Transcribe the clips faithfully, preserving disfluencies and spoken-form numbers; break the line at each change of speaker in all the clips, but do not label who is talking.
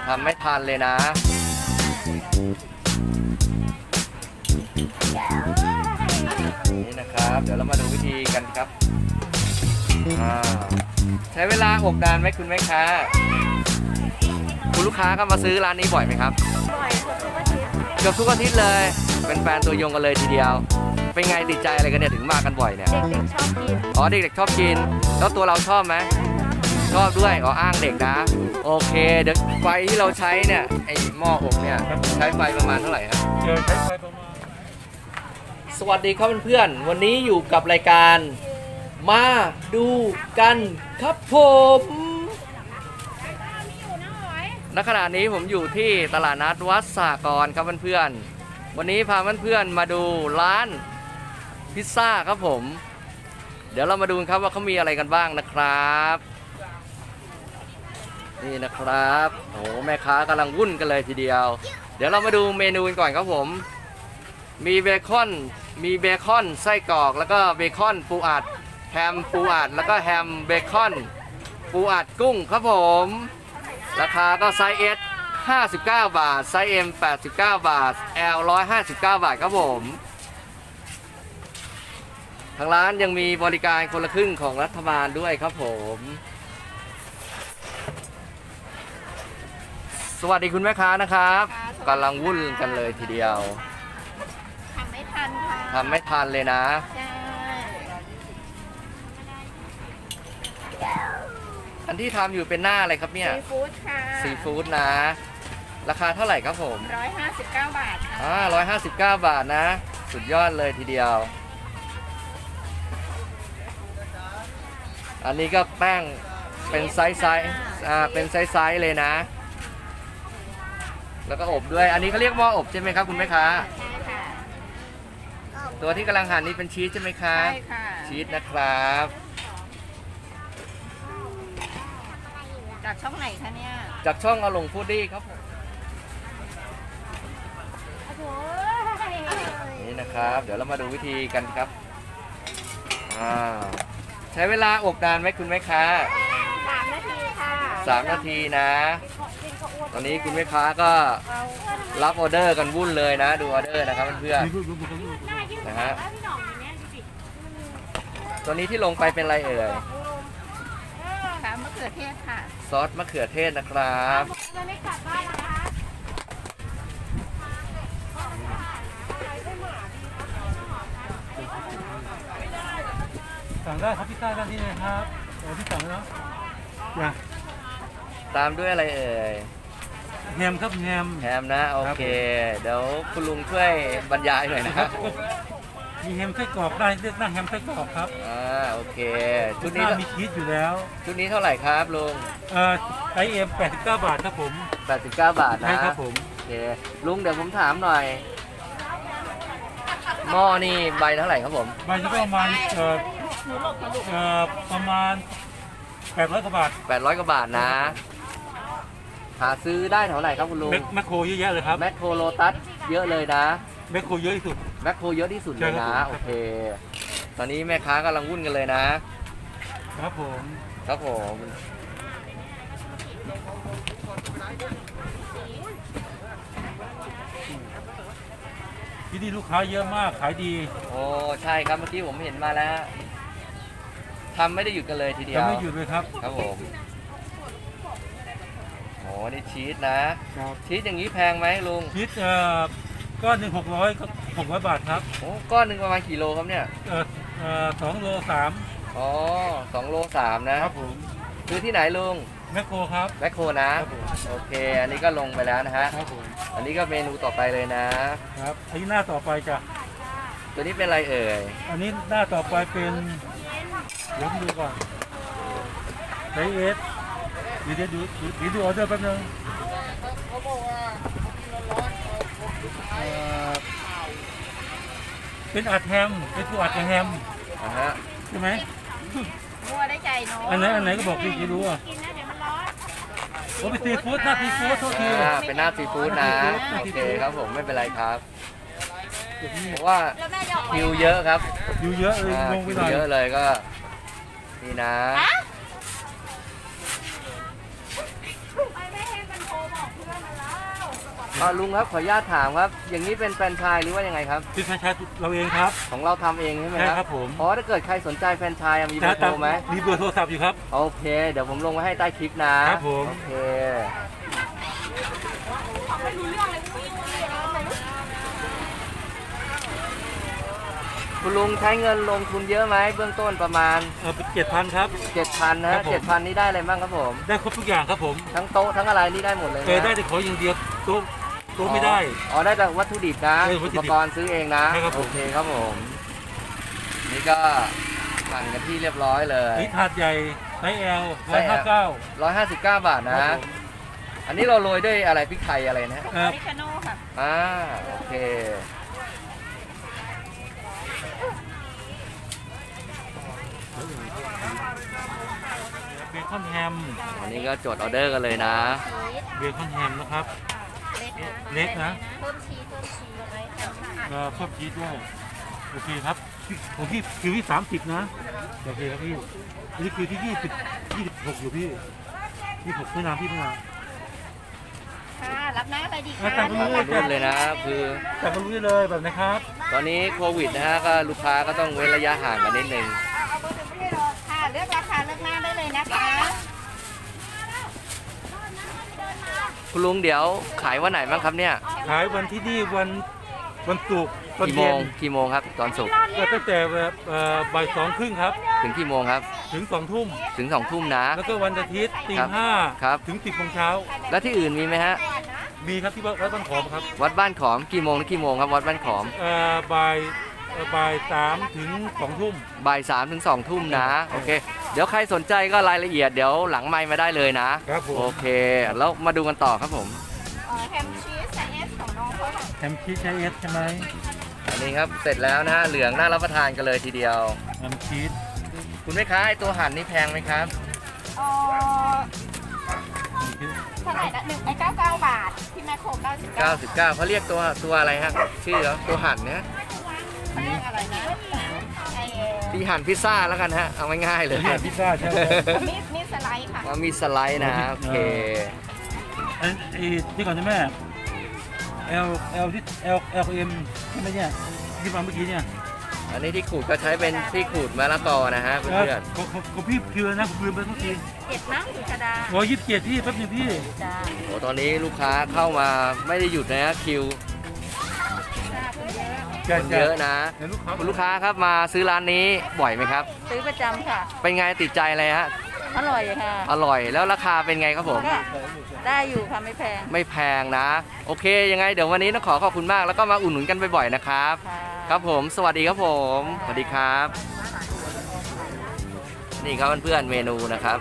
ทำไม่ทันเลยนะนี่นะครับเดี๋ยวเรามาดูวิธีกันครับใช้เวลาอบนานไหมคุณแม่ค้าคุณลูกค้าก็มาซื้อร้านนี้บ่อยไหมครับ
บ่อยทุกอาทิตย์
เกือบทุกอาทิตย์เลยเป็นแฟนตัวยงกันเลยทีเดียวเป็นไงติดใจอะไรกันเนี่ยถึงมากันบ่อยเนี่ย
เด็กๆชอบกิน
อ๋อเด็กๆชอบกินแล้วตัวเราชอบไหมชอบด้วยอ๋ออ้างเด็กนะโอเคเดี๋ยวไฟที่เราใช้เนี่ยไอหม้ออบเนี่ยใช้ไฟประมาณเท่าไหร่ครับ
เจอใช้ไฟประมาณ
สวัสดีครับเพื่อนๆวันนี้อยู่กับรายการมาดูกันครับผมณขณะนี้ผมอยู่ที่ตลาดนัดวัดสากรครับเพื่อนๆวันนี้พาเพื่อนๆมาดูร้านพิซซ่าครับผมเดี๋ยวเรามาดูกันครับว่าเขามีอะไรกันบ้างนะครับนี่นะครับโอ้แม่ค้ากำลังวุ่นกันเลยทีเดียวเดี๋ยวเรามาดูเมนูกันก่อนครับผมมีเบคอนมีเบคอนไส้กรอกแล้วก็เบคอนปูอัดแฮมปูอัดแล้วก็แฮมเบคอนปูอัดกุ้งครับผมราคาก็ไซส์ S ห้าสิบเก้าบาทไซส์ M แปดสิบเก้าบาท L หนึ่งร้อยห้าสิบเก้าบาทครับผมทางร้านยังมีบริการคนละครึ่งของรัฐบาลด้วยครับผมสวัสดีคุณแม่ค้านะครับกำลังวุ่นกันเลยทีเดียว
ทำไม่ทันค่ะ
ทำไม่ทันเลยนะ
ใช่
อันที่ทำอยู่เป็นหน้าอะไรครับเนี่ย
ซีฟู้ดค่ะ
ซีฟู้ดนะราคาเท่าไหร่ครับผม
ร้อยห้าสิบเก้าบาทค่ะ
อ่าร้อยห้าสิบเก้าบาทนะสุดยอดเลยทีเดียวอันนี้ก็แป้งเป็นไซส์ไซส์อ่าเป็นไซส์ไซส์เลยนะแล้วก็อบด้วยอันนี้เขาเรียกหม้ออบใช่ไหมครับคุณแม่ค้า
ใช่ค่ะ
ตัวที่กำลังหั่นนี่เป็นชีสใช่ไหมคะ
ใช่ค่ะ
ชีสนะครับ
จากช่องไหนคะเนี่ย
จากช่องอลงฟูดดี้ครับผมนี่นะครับเดี๋ยวเรามาดูวิธีกันครับอ่าใช้เวลาอบนานไหมคุณแม่ค้า
สามนาทีค่ะ
สามนาทีนะตอนนี้คุณแม่ค้าก็รับออเดอร์กันวุ่นเลยนะดูออเดอร์นะครับเพื่อนๆนะฮะตัวนี้ที่ลงไปเป็นอะไรเอ่ย
ค่ะมะเขือเทศค่ะ
ซอสมะเขือเทศนะครับ
ไม่กลับบ้านนะคะ
สั่งได้ครับพิซซ่าด้านที่เลยครับเออพี่สั่งแล้วอย่า
ตามด้วยอะไรเอ่ย
แฮมครับแฮม
แฮมนะโอเคเดี๋ยวคุณลุงช่วยบรรยายหน่อยนะครับ
มีแฮมไส้กรอกได้เลือกนั่งแฮมไส้กรอกครับ
อ่าโอเคชุดนี้
มีชีสอยู่แล้ว
ชุดนี้เท่าไหร่ครับลุง
เอ่อไอเอ็มแปดสิบเก้าบาทครับผม
แปดสิบเก้าบาทนะ
ใช่ครับผม
โอเคลุงเดี๋ยวผมถามหน่อยหม้อนี่ใบเท่าไหร่ครับผม
ใบนี้ก็ประมาณเอ่อเอ่อประมาณแปดร้อยกว่าบาท
แปดร้อยกว่าบาทนะหาซื้อได้เท่าไหร่ครับคุณลุง
แมคโครเยอะแยะเลยครับ
แมคโครโลตัสเยอะเลยนะ
แมคโครเยอะที่สุด
แมคโครเยอะที่สุดเลยนะโอเคตอนนี้แม่ค้ากำลังวุ่นกันเลยนะครับ
ผม
ครับผม
ที่นี่ลูกค้าเยอะมากขายดี
โอ้ใช่ครับเมื่อกี้ผมเห็นมาแล้วทำไม่ได้หยุดกันเลยทีเดียว
ทำไม่หยุดเลยครับ
ครับผมโอ้นี่ชีสนะชีสอย่างนี้แพงไหมลุง
ชีสเอ่อก้อนหนึ่งหกร้อยหกร้อยบาทครับ
โอ้ก้อนหนึ่งประมาณกี่โลครับเนี่ย
เออเอ่อสองโลสาม
อ๋อสองโลสามนะครับ
ผม
ซื้อที่ไหนลุง
แมคโครครับ
แมคโครนะโอเคอันนี้ก็ลงไปแล้วนะฮะ
ครับผม
อันนี้ก็เมนูต่อไปเลยนะครับ
อันนี้หน้าต่อไปจ้ะ
ตัวนี้เป็นอะไรเอ่ย
อันนี้หน้าต่อไปเป็นเดี๋ยวดูก่อนไซส์เอสเดี๋ยวดูเดี๋ยวดูออเดอร์แป๊บนึงเป็นอัดแฮมเป็นตัวอัดแฮม
นะฮะ
ใช่ไหม
มัวได้ใจเนาะ
อันไหนอันไหนก็บอกพี่กี่รู้อ่ะโอ้เป็นซีฟู้ดหน้าซีฟู้ดโทษที
เป็นหน้าซีฟู้ดนะโอเคครับผมไม่เป็นไรครับเพราะว่าคิวเยอะครับ
คิวเยอะเลยลงไปหน่อย
เยอะเลยก็นี่นะอ่าลุงครับขออนุญาตถามครับ อย่างนี้เป็นแฟรนไชส์หรือว่ายังไงครับ
ที่แฟรนไชส์เราเองครับ
ของเราทำเองใช่ไหม
ใช่
ครับ
ครับผม
อ๋อถ้าเกิดใครสนใจแฟรนไชส์มีเบอร์โทรไหม
มีเบอร์โทรศัพท์อยู่ครับ
โอเค เดี๋ยวผมลงไว้ให้ใต้คลิปนะครับ
ผม
โอเคคุณลุงใช้เงินลงทุนเยอะไหมเบื้องต้นประมาณ
เออเจ็ดพันครับ
เจ็ดพันนะ
ครั
ฮะ
บผม
เจ็ดพันนี่ได้อะไรบ้างครับผม
ได้ครบทุกอย่างครับผม
ทั้งโต๊ะทั้งอะไรนี่ได้หมดเลยนะ
เออได้แต่ขออย่างเดียวโต๊ะโต๊ะไม่ได้
อ๋อได้แต่วัตถุดิบนะ
เออวั
อุ
ตถุ
ป
ดิบ
กรณ์ซื้อเองนะ
ใช่ครับผม
โอเคครับผม นี่ก็สั่งกันที่เรียบร้อยเลย
นี่ถาดใหญ่ไซส์ L
ไซ
ร้อย
ส์
ห้า
L
เก้า
ร้อยห้าสิบเก้าบาทนะ
ครับผม
อันนี้เราโรยด้วยอะไรพริกไทยอะไรนะ
เอ
อ
อ
อริกาโน่ค่ะ
อ่าโอเค
เบคอนแฮม
อันนี้ก็จดออเดอร์กันเลยนะ
ชีส
เบคอนแฮมนะครับ
เล็กนะ
เล็กนะ
เพิ่มชีสเพิ่มชีสไว้ค่ะ
ก็เพิ่มชีสด้วยโอเคครับของพี่คิวที่สามสิบนะโอเคครับพี่อันนี้คือที่ยี่สิบยี่สิบหกอยู่พี่ยี่สิบหกไม่นานพี่ไม่นาน
ค่ะรับหน้าอะไรดี
อ่ะ
คะ
ตามไป
มารุ่นเลยนะคือ
แต่มารู้ได้เลยแบบนะครับ
ตอนนี้โควิดนะฮะก็ลูกค้าก็ต้องเว้นระยะห่างกันนิดนึง
เอาเบอร์หนึ่งไม่ได้รอค่ะเลือกราคาเลือกหน้าได้เลยนะคะ
คุณลุงเดี๋ยวขายวันไหนบ้างครับเนี่ย
ขายวันที่นี่วันวันศุกร์ตอน
กี่โม
เย็
ง
น
กี่โมงครับตอนศุกร์
ก็ตั้งแต่แบบเอ่อบ่ายสองครึ่งครับ
ถึงกี่โมงครับ
ถึงสองทุ่ม
ถึงสองทุ่มนะ
แล้วก็วันอาทิตย์ตี
ครับ
ห้า
ครับ
ถึงสิบโมงเช้า
แล้วที่อื่นมีไหมฮะ
มีครับที่วัดวัดบ้านขอมครับ
วัดบ้านขอมกี่โมงถึงกี่โมงครับวัดบ้านขอม
เอ่อบ่ายเอ่อบ่ายสามถึงสองทุ่ม
บ่ายสามถึงสองทุ่มนะโอเค เดี๋ยวใครสนใจก็รายละเอียดเดี๋ยวหลังไมค์มาได้เลยนะครับ
ผม
โอเคแล้วมาดูกันต่อครับผม
เอ่อแฮมชีสไซส์เอสของน้องเขาค่ะ
แฮมชีสใช้เอสใช่ไหม
อันนี้ครับเสร็จแล้วนะฮะเหลืองน่ารับประทานกันเลยทีเดียว
แฮมชีส
คุณแม่ค้าไอตัวหั่นนี่แพงไหมครับ
เอ่อเท่าไหร่ละหนึ่งไอ้เก้าเก้าบาทที่แมคโครเก้าสิบเก้า
เก้าสิบเก้าเขาเรียกตัวตัวอะไรฮะชื่อเหรอตัวหั่นเนี่ย
เขาเรียกอะไรนะไอ้
ตีหั่นพิซซ่าแล้วกันฮะเอาง่ายๆเลย
เนี่ยพิซซ่าใช่ไหม
มีดมีดสไลด์ค่ะ
ว่ามีสไลด์นะโอเค
ไอ้ไอ้ที่ก่อนใช่ไหม L L ที่ L L M ใช่ไหมเนี่ยที่มาเมื่อกี้เนี่ย
อันนี้ที่ขูดก็ใช้เป็นที่ขูดมะละกอนะฮะเพื่อน
ของของของพี่คิวนะผมลืมไปเมื่อกี้
เจ็ดมั้งสุชาดา
ร้อยยี่สิบเจ็ดพี่แป๊บนึงพี่
จ้า
ๆโอ้ตอนนี้ลูกค้าเข้ามาไม่ได้หยุดนะฮะคิว
จ้าคุณเยอะ
คนเยอะนะ
เดี๋ยวลูกค้า
คุณลูกค้าครับมาซื้อร้านนี้บ่อยไหมครับ
ซื้อประจำค่ะ
เป็นไงติดใจอะไรฮะ
อร่อยค่ะ
อร่อยแล้วราคาเป็นไงครับผม
ก็ได้อยู่ค่ะไม่แพง
ไม่แพงนะ โอเค ยังไงเดี๋ยววันนี้ต้องขอขอบคุณมากแล้วก็มาอุดหนุนกันบ่อยๆนะครับ
ค่ะ
ครับผมสวัสดีครับผมสวัสดีครับ นี่ครับเพื่อนๆเมนูนะครับ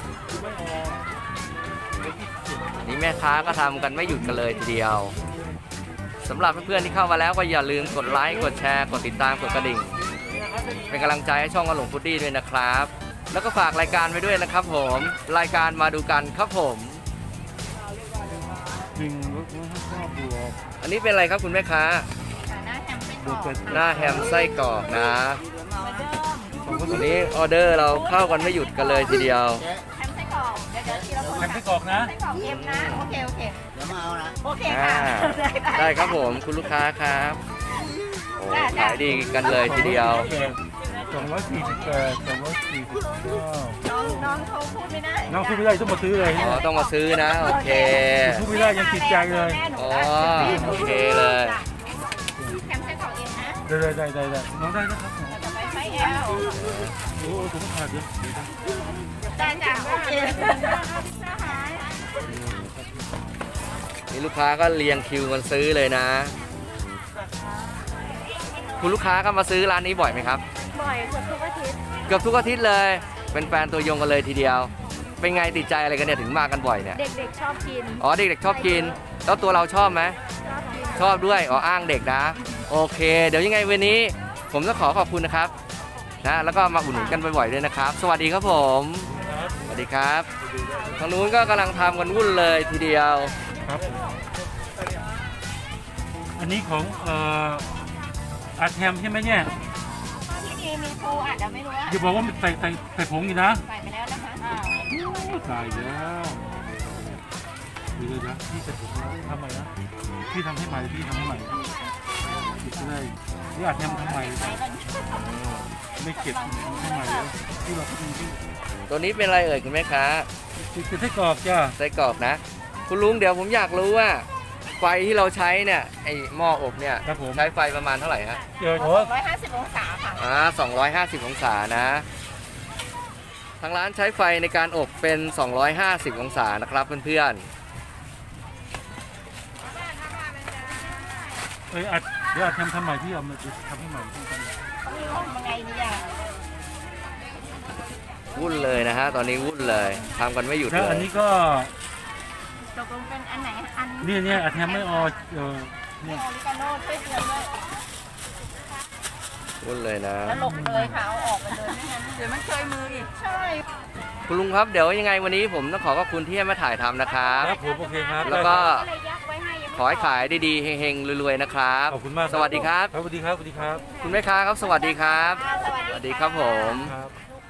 นี่แม่ค้าก็ทำกันไม่หยุดกันเลยทีเดียวสำหรับเพื่อนๆที่เข้ามาแล้วก็อย่าลืมกดไลค์กดแชร์กดติดตามกดกระดิ่ง เป็นกำลังใจให้ช่องอลงพุดดี้ด้วยนะครับ แล้วก็ฝากรายการไว้ด้วยนะครับผมรายการมาดูกันครับผม
หนึ่งรถห้าบวก
อันนี้เป็นอะไรครับคุณแม่ค้า
หน้าแฮมเป็นกรอบ
หน้าแฮมไส้กรอกนะวันนี้ออเดอร์เราเข้ากันไม่หยุดกันเลยทีเดียว
แฮมไส้กรอกเดี๋ยวเดี๋ยวทีละคน
แฮมไส้กรอกนะ
ไส้กรอกเอ็มนะโอเคโอเค
เดี๋ยวมาเอานะ
โอเค
อ่า
ค่ะ
ได้ครับผมคุณลูกค้าครับโอ้ขายดีกันเลยทีเดียว
สองร้อยสี่สิบแปดสองร้อยสี่สิบเก้า
น้องน้องเขาพูดไม่ได้
น้องพูดไม่ได้ต้องมาซื้อเลย
อ๋อต้องมาซื้อนะโอเค
พูดไม่ได้ยังติดใจเลย
อ๋อโอเคเลย
แฮมไส้กรอกเอ็มนะ
ได้ได้ได้ได้ได้น้องได้นะครับ
จะไปไซส์แอล
โอ้โหผมขาดเยอะ
ได้จ้ะโอเค
นี่ลูกค้าก็เรียงคิวกันซื้อเลยนะ คุณลูกค้าก็มาซื้อร้านนี้บ่อยไหมครับ
บ่อยเกือบทุกอาทิตย์
เกือบทุกอาทิตย์เลย เป็นแฟนตัวยงกันเลยทีเดียว เป็นไงติดใจอะไรกันเนี่ยถึงมากันบ่อยเนี่ย
เด็กๆชอบกิน
อ๋อเด็กๆชอบกิน แล้วตัวเราชอบไหม
ชอบกิน
ชอบด้วย อ๋ออ้างเด็กนะ โอเค เดี๋ยวยังไงวันนี้ ผมต้องขอขอบคุณนะครับ นะ แล้วก็มาอุดหนุนกันบ่อยๆด้วยนะครับ สวัสดีครับผม สวัสดีครับ ทางนู้นก็กำลังทำกันวุ่นเลยทีเดียว
ครับอันนี้ของเอ่ออาแฮมใช่ไหมเนี่ย
ที่ดีมีปูอาจจะไม่รู้ว่า
อย่าบอกว่าใส่ใส่ใส่ผงอยู่นะ
ใส่ไปแล้วนะคะอ่า
ตายแล้วเดี๋ยวนะพี่จะถูกทำใหม่นะพี่ทำให้ใหม่พี่ทำให้ใหม่ติดเลยนี่อาจจะทำใหม่ไม่เก็บทำให้ใหม่เลยที่เราพี่พี่
ตัวนี้เป็นอะไรเอ่ยคุณแม่ค้า
ติดไส้กรอกจ้า
ไส้กรอกนะ คุณลุงเดี๋ยวผมอยากรู้ว่าไฟที่เราใช้เนี่ยไอหม้ออบเนี่ย
ครับผม
ใช้ไฟประมาณเท่าไหร่ฮะ
เจอ
ส
โถ
องร้อยห้าสิบองศาค่ะ
อ่าสองร้อยห้าสิบองศานะทางร้านใช้ไฟในการอบเป็น สองร้อยห้าสิบองศานะครับเพื่อน
เอ้ยอาจเดี๋ยวอาจทำทำใหม่พี่เอามาทำให้ใหม่ที่กัน
ทำยังไงเนี่ย
ๆวุ่นเลยนะฮะตอนนี้วุ่นเลยทำกันไม่หยุด
ถ้า
เล
อัน
ย
นี้ก็
ตกลงเป็นอันไหนอัน
เนี่ยเนี่ยอาจทำไม่ออเออเนี่ย
ออริกาโน่ช่วยเตือนด้วย
วุ่นเลยนะ
แล้วหลบเลยค่ะเอาออกไปเลยไม่งั้นเดี๋ยวมันเคยมืออีกใช่
คุณลุงครับเดี๋ยวยังไงวันนี้ผมต้องขอขอบคุณที่ให้มาถ่ายทำนะครับ
ครับผมโอเคครับ
แล้วก็
ก็เลยยักไว้ให้ยังไม่
ขอให้ขายดีๆเฮงๆรวยๆนะครับ
ขอบคุณมาก
สวัสดีครับ
ครับสวัสดีครับสวัสดีครับ
คุณแม่ค้าครับสวัสดีครับ
สวัส
ส
ดี
วัสดีครับผม
ครับ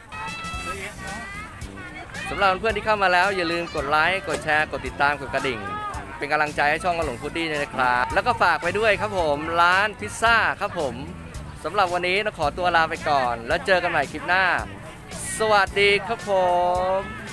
สำหรับเพื่อนๆที่เข้ามาแล้วอย่าลืมกดไลค์กดแชร์กดติดตามกดกระดิ่ง เป็นกำลังใจให้ช่องกระหลงฟูดดี้ด้วยนะครับ แล้วก็ฝากไปด้วยครับผมร้านพิซซ่าครับผมสำหรับวันนี้ต้องขอตัวลาไปก่อน แล้วเจอกันใหม่คลิปหน้า สวัสดีครับผม